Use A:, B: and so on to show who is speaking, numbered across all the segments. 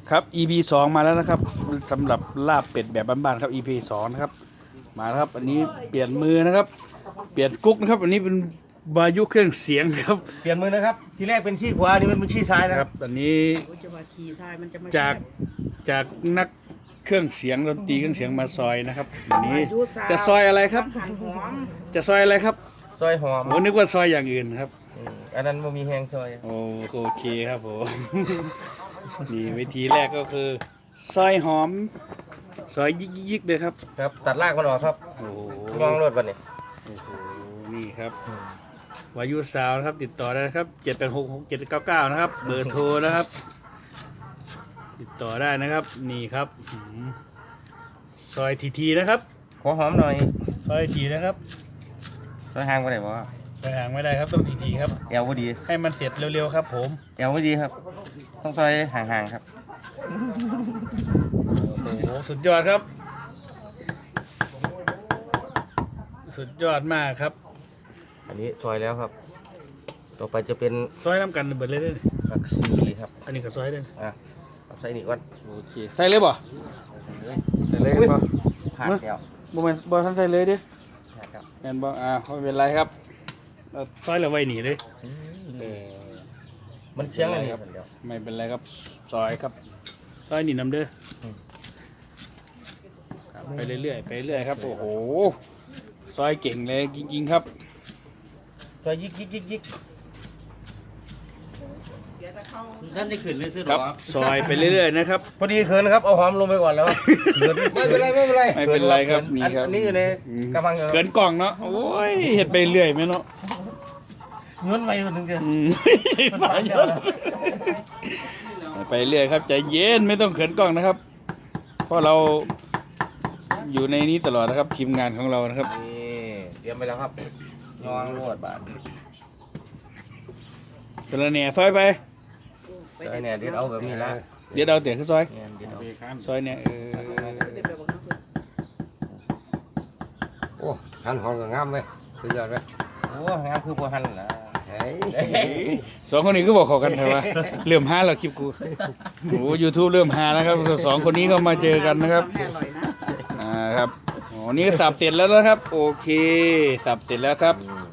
A: ครับ EP 2มาแล้วนะครับสำหรับลาบเป็ดแบบบ้านๆครับ EP 2นะครับมาแล้วครับอันนี้เปลี่ยนมือนะครับเปลี่ยนกุ๊กนะครับอันนี้เป็นวายุเครื่องเสียงครับ
B: เปลี่ยนมือนะครับทีแรกเป็นชี้ขวานี่มันเป็นชี้ซ้ายนะ
A: ค
B: ค
A: รั
B: รั
A: บบ อันนี้
C: จะมาขี่ทรายมันจะมา
A: จากนักเครื่องเสียงดนตรีเครื่องเสียงมาซอยนะครับอันนี้
C: อายุสาว
A: จะซอยอะไรครับ
C: หั่นหอม
A: จะซอยอะไรครับ
B: ซอยหอม
A: ผมนึกว่าซอยอย่างอื่นครับ
B: อันนั้นมันมีแหงซอย
A: โอเคครับผม นี่วิธีแรกก็คือซอยหอมซอยยิกๆเลยครับ
B: ครับตัดรากมันออกครับ
A: โอ้โห
B: มองรถวันนี้
A: โอ้โหนี่ครับวายุสาวนะครับติดต่อได้นะครับ7866799นะครับเบอร์โทรนะครับ ติดต่อได้นะครับ นี่ครับซอยทีนะครับ
B: ขอหอมหน่อย
A: ซอยทีนะครับ
B: ซอยห่างไปไหนวะ
A: ไปห่างไม่ได้ครับต้องทีครับ
B: แอลพอดี
A: ให้มันเสร็จเร็วๆครับผม
B: แอลพอดีครับ ต้องซอยห่างๆครับ
A: โอ้โหสุดยอดครับ สุดยอดมากครับ
B: อันนี้ซอยแล้วครับ ต่อไปจะเป็น
A: ซอยน้ำกันเบิดเลยเด้อ
B: ผักชีครับ
A: อันนี้ก็ซอยเด้อ
B: เอาใส่นี่ก่อน
A: โอเคใส่เลยบ่
B: ใส่เลยป่ะผ่านแล้ว
A: บ่ทันใส่เลยเด้อ
B: ผ่านแล้ว
A: แม่นบ่ไม่เป็นไรครับเอาซอยแล้วไว้หนีเลยเออ
B: มันเชียงอันนี้ครับเดี๋ยว
A: ไม่เป็นไรครับซอยครับซอยนี่น้ำเด้อครับไปเรื่อยๆไปเรื่อยครับโอ้โหซอยเก่งเลยจริงๆครับ
B: ซอยยิก
D: ท่านได้ขึ้นเลยซื้อห
A: ค
D: ร
A: รั
D: อบ
A: ซอยไปเรื่อยๆนะครับ
B: พอดีเขินนะครับเอาหอมลงไปก่อนแล้วไม่เป็นไรไม่เป็นไร
A: ไม่เป็นไรครับนี่ครับ
B: อันนี้อยู่ในกระมังอยู่
A: เกินกล่องเนาะโอ้ยเห็ดไปเรื่อยไหมเนาะ
B: เงินไปมันถึงจะ
A: อืมไปเรื่อยครับใจเย็นไม่ต้องเขินกล้องนะครับ เพราะเราอยู่ในนี้ตลอดนะครับทีมงานของเรานะครับ
B: นี่เตรียมไปแล้วครับยองรวดบาท
A: สระแหน่ซอยไป
B: ไอ้เนี่ยเดี๋ยวเอาแบบนี้ละ
A: เดี๋ยวเราเตี๋ยวขึ้นซอย
B: เนี่ยเดี๋ยวเอา
A: ซอยเนี่ย
E: โอ้หันหอมก็งามเลยสุดยอดเลย
B: โอ้งามคือบัวหันนะ
E: เฮ้ย
A: สองคนนี้ก็บอกขอกันเถอะว่าเริ่มฮาแล้วคลิปกูโอ้ยูทูบเริ่มฮานะครับสองคนนี้ก็มาเจอกันนะครับ
C: แม่อร่อยนะ
A: ครับอ๋อนี่สับเสร็จแล้วนะครับ โอเคสับเสร็จแล้วครับ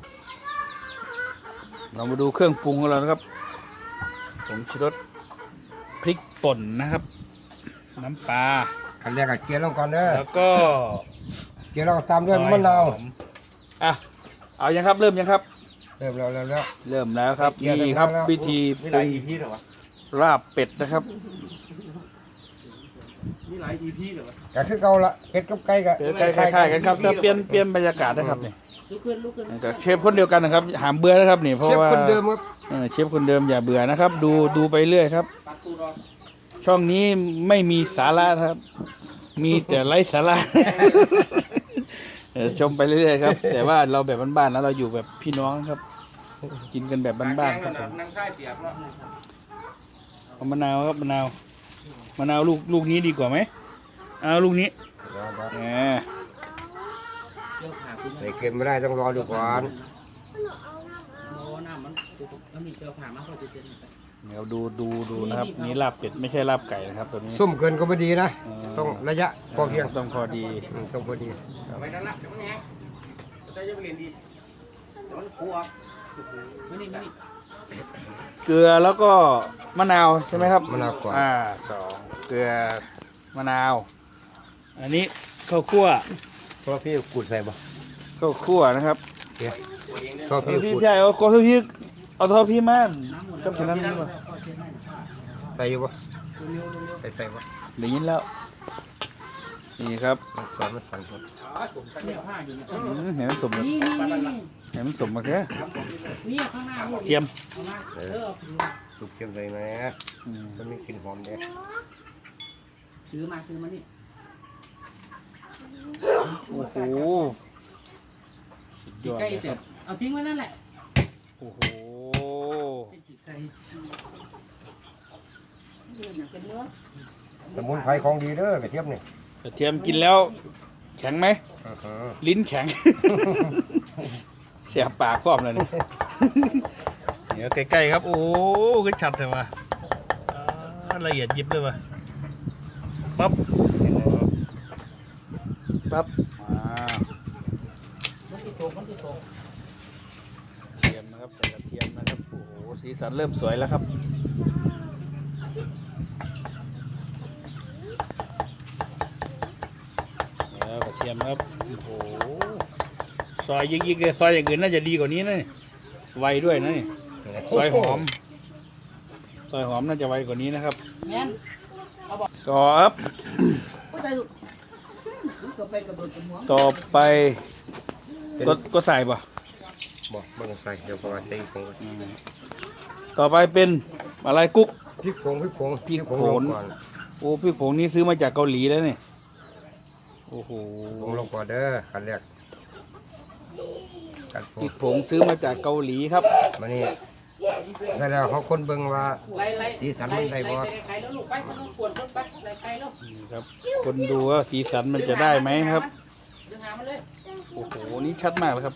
A: เรามาดูเครื่องปรุงของเรานะครับผงชูรสพริกป่นนะครับ น้ำปลา
E: ขั้นแรกก็เกี๊ยวลงก่อนเด้อ
A: แล้วก็
E: เกี๊ยวแล้วก็ตามด้วยมะนาว
A: อ่ะเอายังครับเริ่มยังครับ
E: เริ่มแล้ว
A: เริ่มแล้วครับนี่ครับวิธี
B: มี
A: ป
B: หลา
A: รุ
B: ย
A: ง
B: EP เหรอวะ
A: ลาบเป็ดนะครับ
B: มีหลาย EP เหรอวะ
E: ก็คือเก่าละเผ็ดกับไก่ก็
A: คล้ายๆกันครับแต่เปลี่ยนบรรยากาศนะครับนี่
C: ลุกขึ้นลุกขึ้น
A: แต่เชฟคนเดียวกันนะครับหามเบื่อนะครับนี่เพราะ
E: เชฟ
A: ว่า
E: คนเดิมครับ
A: เชฟคนเดิมอย่าเบื่อนะครับ ดูไปเรื่อยครับ ช่องนี้ไม่มีสาระครับ มีแต่ไร้สาระ ชมไปเรื่อยๆครับ แต่ว่าเราแบบบ้านๆแล้วเราอยู่แบบพี่น้องครับ กินกันแบบบ้านๆครับผม
B: นั่งใต้เปียกเนาะ
A: เอามะนาวครับมะนาวลูกนี้ดีกว่าไหมเอาลูกนี้แหม
E: ใส่เกลือไม่ได้ต้องรอดูก่อน
D: โอ้น้ำมันแล้วมีเกลือผ่ามาเขาจะเจน
A: เดี๋ยวดูนะครับนี่ลาบเป็ดไม่ใช่ลาบไก่นะครับตัวนี้
E: ส้มเกินก็ไม่ดีนะต้องระยะพอเพียง
A: ต้องพอดี
E: ต้องพอดี
B: ไปนั่นละเดี๋ยวมันแห้งจะจะไปเรียนดีเดี๋ยวมันคูออก
D: นี่
A: เกลือแล้วก็มะนาวใช่ไหมครับ
E: มะนาวก่อน
A: สองเกลือมะนาว อันนี้ข้าวคั่ว
E: เพราะพี่ขูดใส่บ่
A: ข้าวคั่วนะครับ
E: ชอบพี่
A: พี่
E: ขูด
A: ใหญ่เอากอทพี่เอาทอพี่มากับฉะนั้นนี่ป่ะ
E: ใส่อยู่บ่ใส่บ่
A: ได้ยินแล้วนี่ครับ
E: สอนมาสั่งผม
A: เห็นมันสม
D: นี่
A: เห็นมันสมมาแค่
D: นี่ข้างหน้าลูก
A: เทียม
E: สุกเค็มใส่ไหมมันมีกลิ่นหอมเด้
D: ซื้อมานี่
A: โอ้โหสุดยอด
D: ใกล้
A: เลย
D: เส
A: ค
D: ร็
A: รั
D: จ
A: บ
D: เอาทิ้งไว้นั่นแหละ
A: โอ้โห
D: ไก่
C: เป็นเนื้อ
E: สมุนไพรของดีเด้อกระเทียมนี่
A: กระเทียมกินแล้วแข็งไหม
E: อื้อหือ
A: ลิ้นแข็ง เสียบปากครอบเลยนี่ เดี๋ยวใกล้ๆครับ โอ้โหก็ชัดเลยว่ะละเอียดยิบเลยว่ะปั๊บปั๊บ
D: มันที่ตก
A: เทียมนะครับใส่กระเทียมนะครับโอ้โหสีสันเริ่มสวยแล้วครับแล้วกระเทียมครับโอ้โหซอยยิกๆเลยซอยอย่างอื่นน่าจะดีกว่านี้นะนี่ไวด้วยนะนี่ซอยหอมน่าจะไวกว่านี้นะครับ
C: แม่น
A: ต่อครับ
C: ก็ได้ลูกก็ไปกระโดดกับหัว
A: ต่อไปก็ใส่ป่ะ
E: บอกไม่ต้องใส่เดี๋ยวพอใส่ผง
A: ต่อไปเป็นอะไรกุ๊ก
E: พริกผง
A: พริกผง
E: ลงก่อน
A: โอ้พริกผงนี้ซื้อมาจากเกาหลีแล้วนี่โอ้โห
E: ผงลงก่อนเด้อขั้นแรกกันผ
A: พ
E: ง
A: ริกผงซื้อมาจากเกาหลีครับ
E: มานี่ใส่แล้วเขาคนเบิ่งว่า
D: ไล่
E: สีสันมันได้บ่
D: ไข่แล้วลูกไปมันต้องกวนไปไล่ไข่แล้ว
A: นี่ครับคนดูว่าสีสันมันจะได้ไหมครับ
D: ดึงหามันเลย
A: โอ้โหนี่ชัดมากเลยครับ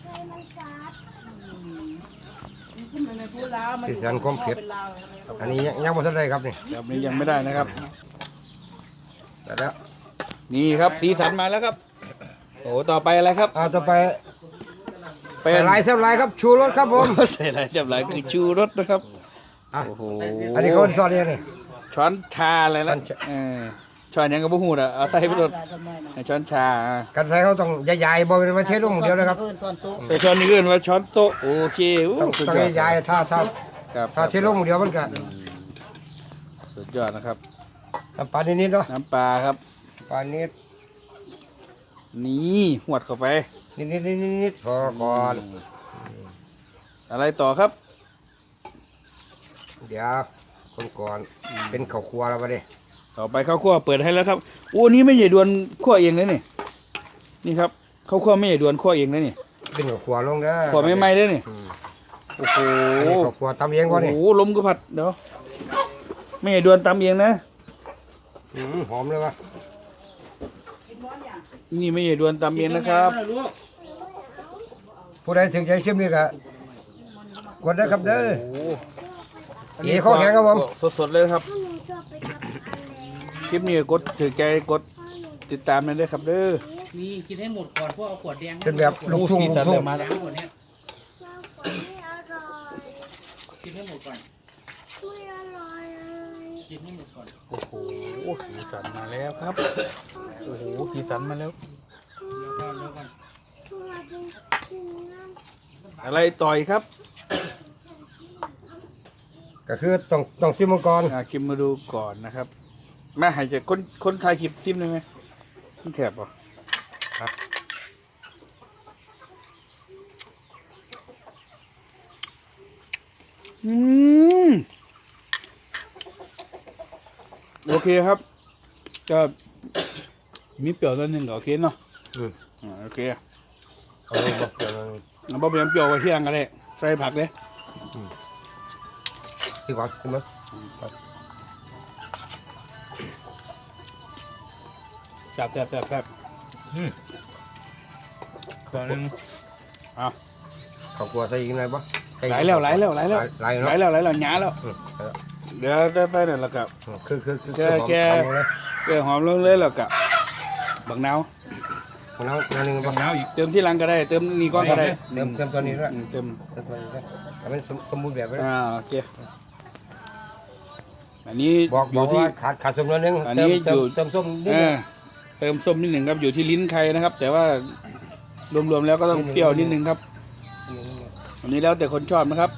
C: ขึ้นมาในพูดลาวมัน
E: สีสันความเผ็ดอันนี้ยังบ่ทันได้ครับนี่
A: แบบนี้ยังไม่ได้นะครับ
E: ได้แล้ว
A: นี่ครับสีสันมาแล้วครับโอ้ต่อไปอะไรครับ
E: ต่อไป
A: เป็น
E: ใส่ลายแซ่บลายครับชูรสครับผม
A: ใส่อะไรเรียบร้อยคือชูรสนะครับ
E: อ่ะ
A: โอ้โห
E: อันนี้เขาซอสเนี่ยนี่
A: ช้อนชาอะไรแล้ว
E: ช้อนชา
A: ช้อนยังกับพวกหูอ่ะเอาใส่ไปรถช้อนชา
E: กันใส่เขาต้องใหญ่ๆบ่เป็นมาเทลงเดียวนะครับ
C: ซ่อนโต๊ะ
A: แต่ช้อนนี้เอื่นว่าช้อนโต๊ะโอเคอู้
E: ต้อง
A: สุด
E: ต้อง
A: ยอด
E: ใหญ่ๆถ้า
A: ครับ
E: เทลงเดียวมันก็
A: สุดยอดนะครับ
E: น้ำปลานิดๆเนาะ
A: น้ำปลาครับ
E: ปลานิด
A: นี่หวดเข้าไป
E: นิดๆพอก่อน
A: อะไรต่อครับ
E: เดี๋ยวคนก่อนเป็นข้าวครัวแล้วบัดนี้
A: ต่อไปข้าวคั่วเปิดให้แล้วครับโอ้นี่ไม่ใหญ่ดวนคั่วเองเลยนี่นี่ครับข้าวคั่วไม่ใหญ่ดวนคั่วเองเลยนี่
E: เป็นข้าวครัวลงเด้อ
A: คั่วไม่ไหม้เลยนี่
E: อืม
A: โอ้โห
E: อันนี้ข้าวครัวตำเองบ่นี่
A: โอ้โหลมก็ผัดเดี๋ยวไม่ใหญ่ดวนตำเองนะ
E: หอมเลยวะ
A: นี่ไม่ใหญ่ดวนตำเองนะครับ
D: ลูก
E: ผู้ใดสนใจชิมนี่ก็กดได้ครับเด้อ
A: โอ้โห
E: เอ๋ข้อแข็งครับผม
A: สดๆเลยครับคลิปนี้กดถือใจกดติดตามเลยด้วยครับเด้อ
D: นี่กินให้หมดก่อนพวกเอาขวดแดง
E: เป็นแบบลูกทุ่ง
A: สี
E: ลู
A: สั
E: ก
A: น
E: ทุ่
A: เริ่
E: ง
A: มมา
D: แด
A: แล้ว
D: งหมดเนี้ยกินให้หมดก่อนกินให้หมดก่อน
A: โอ้โหสีสันมาแล้วครับโอ้โหสีสันมาแล้ว
D: แล้วก่อน
A: อะไรต่อยครับ
E: ก็คือต้องซิมมาก่อน
A: ชิมมาดูก่อนนะครับแม่หายใจคนถ่ายคลิปซิมได้ไหมที่แถบป่ะครับโอเคครับก็มีเปรี้ยวนิดนึงก็โอเคเนาะ
E: อืม
A: โอเค
E: เอาลงบ่เดี๋ยวมัน
A: เอาบ่เปรี้ยวเปรี้ยวไว้ที่ยังกันเลยใส่ผักเลย
E: ที่ก่อนขึ้นมา
A: แซ่บก่อนนึงเอา
E: ข้าวครัวใส่อีกหน่อยบ่ใส่อีก
A: ไหลแล้ว
E: ไหล
A: ห
E: เนาะ
A: หยาแล้ว เดี๋ยวได้ไปเนี่ยแล้วกับ
E: คือ
A: แก
E: หอมเลย
A: หอมลงเลยแล้วกับบักนาว
E: มะนาวนานึงบ่
A: เติมที่หลังก็ได้เติมนี่ก้อนก็ได้
E: เติมตัวนี้ด้วย
A: เติม
E: เติมตัวนี้ด้วยให้มันสมบูรณ์แบบไว้
A: โอเคอันนี้
E: บอก
A: อยู่ที่
E: ว่าขาดส้มนิดนึง
A: อันนี้
E: เติม
A: อยู่
E: เติมส้มนิด
A: เอ
E: นึง
A: อเติมส้มนิดหนึ่งครับอยู่ที่ลิ้นใครนะครับ แต่ว่ารวมๆแล้วก็ต้องเปรี้ยวนิดหนึ่งครับอันนี้แล้วแต่คนชอบนะครับ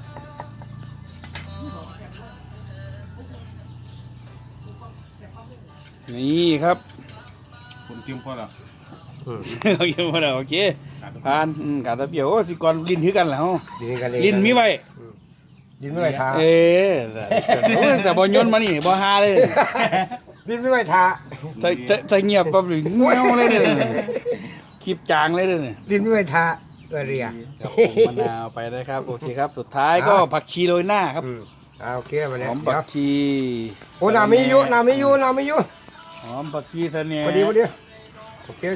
A: นี่ครับ
B: คุณจิ้มพอแล้ว
A: โอเคหมดแล้วโอเคผ่านกาตะเปียวโอ้สิก่อนลิ้นถือกันแล้ว ลิ้นมีไว้
E: ลิ้นไม่ไหวทา
A: เอ๊ะแต่บอลยนต์มานี่บอฮาเลย
E: ลิ้นไม่ไหวทา
A: ถ้าเงียบปั๊บเลยเงี้ยวเลยเนี่ยคลิปจางเลยเนี่ย
E: ลิ้นไม่ไหวทาเรีย
A: ครับผมมะนาวไปนะครับโอเคครับ สุดท้ายก็ผักชีโรยหน้าครับ
E: โอเคมา
A: ห
E: เนี่ย
A: อม
E: เดี๋
A: ผั
E: ยว
A: กชี
E: โอ้น้ำไม่อยู่
A: หอมผักชีเสน่ห์
E: พอดีโอเค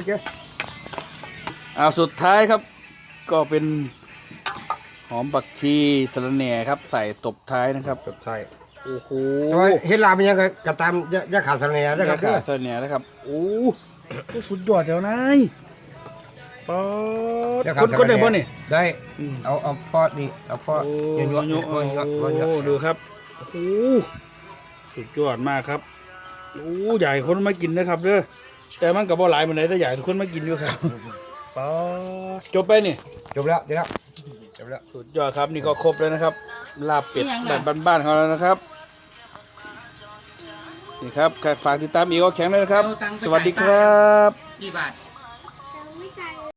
A: สุดท้ายครับ ก็เป็นหอมผักชีสะระแหน่ครับ ใส่ตบท้ายนะครับ
E: จบใช่
A: โอ้โห
E: แต่ว่าเห็ดลาบมันยังกระตามยาขาดสารเนี่ยนะครับ
A: ขาเสนียนะครับโอ้สุดยอดแถวนายป๊อดคนได้บ่เนี่ย
E: ได้เอาปอดนี่เอาปอด
A: โอ้
E: เยอะ
A: โอ้ดูครับโอ้สุดยอดมากครับโอ้ใหญ่คนมากินนะครับเด้อแต่มันกับบ่หลายมันไหนแต่ใหญ่ทุกคนมากินอยู่ครับป๊อดจบไปนี่
E: จบแล้วจบแล้วจบแล้ว
A: สุดยอดครับนี่ก็ครบแล้วนะครับลาบเป็ดแบบบ้านๆเขาแล้วนะครับนี่ครับฝากติดตามอีกก็แข็งเลยนะครับ สวัสดีครับ
D: กี่บาท